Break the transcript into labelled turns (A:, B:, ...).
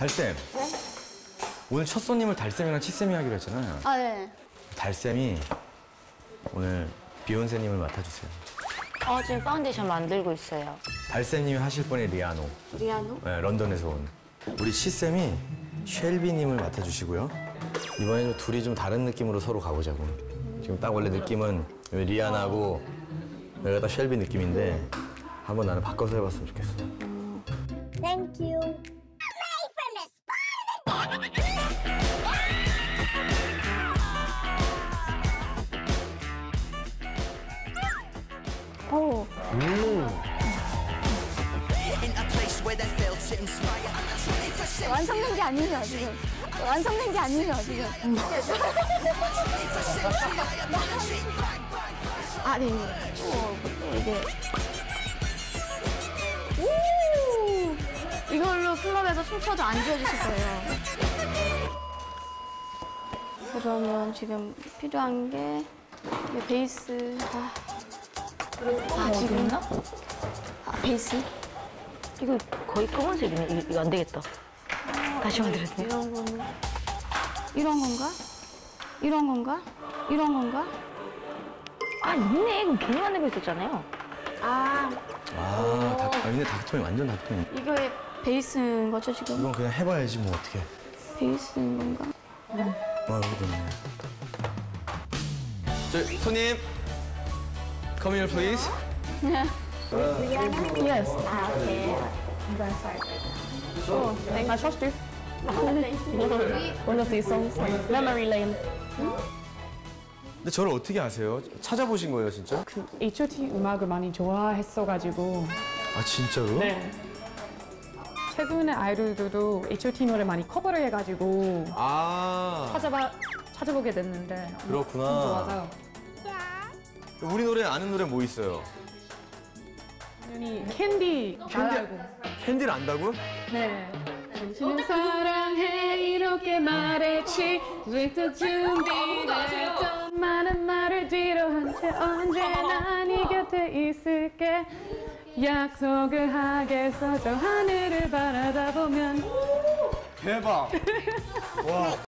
A: 달쌤.
B: 네?
A: 오늘 첫 손님을 달쌤이랑 치쌤이 하기로 했잖아요.
B: 아, 네.
A: 달쌤이 오늘 비욘세님을 맡아주세요.
C: 지금 파운데이션 만들고 있어요.
A: 달쌤님이 하실 분이 리아노.
B: 리아노?
A: 네, 런던에서 온. 우리 치쌤이 쉘비님을 맡아주시고요. 이번에 좀 둘이 좀 다른 느낌으로 서로 가보자고. 지금 딱 원래 느낌은 리아나고 여기가 딱 쉘비 느낌인데 한번 나는 바꿔서 해봤으면 좋겠어.
B: Thank you. 오. 완성된 게 아니죠, 지금. 완성된 게 아니죠, 지금. 아, 네. 이게. 오! 이걸로 클럽에서 춤춰도 안 지워주실 거예요. 그러면 지금 필요한 게 베이스. 지금? 베이스?
C: 이거 거의 검은색이네. 이거 안 되겠다. 다시 만들었네요.
B: 이런 거는 이런 건가? 이런 건가? 이런 건가?
C: 아, 있네. 그럼 괜히 만들고 있었잖아요.
A: 근데 닥터이 완전 닥터이.
B: 이거의 베이스인 거죠, 지금?
A: 이건 그냥 해봐야지 뭐 어떻게.
B: 베이스인 건가?
A: 여기 됐네. 저 손님, come here please.
D: Yes. Okay. I'm very sorry. Sure. I trust you. One of these songs, Memory Lane.
A: 근데 저를 어떻게 아세요? 찾아보신 거예요, 진짜?
D: H.O.T 음악을 많이 좋아했어가지고.
A: 아 진짜로?
D: 네. 최근에 아이돌들도 H.O.T 노래 많이 커버를 해가지고
A: 아
D: 찾아보게 됐는데.
A: 그렇구나.
D: 좀 좋아서.
A: 우리 노래 아는 노래 뭐 있어요?
D: 당연히 캔디 알고.
A: 캔디를 안다고?
D: 네. 당신을 사랑해 이렇게 말했지 왜 또 준비했던 많은 말을 뒤로 한 채 언제나 네 곁에 있을게 약속을 하겠어 저 하늘을 바라다 보면
A: 대박. 와.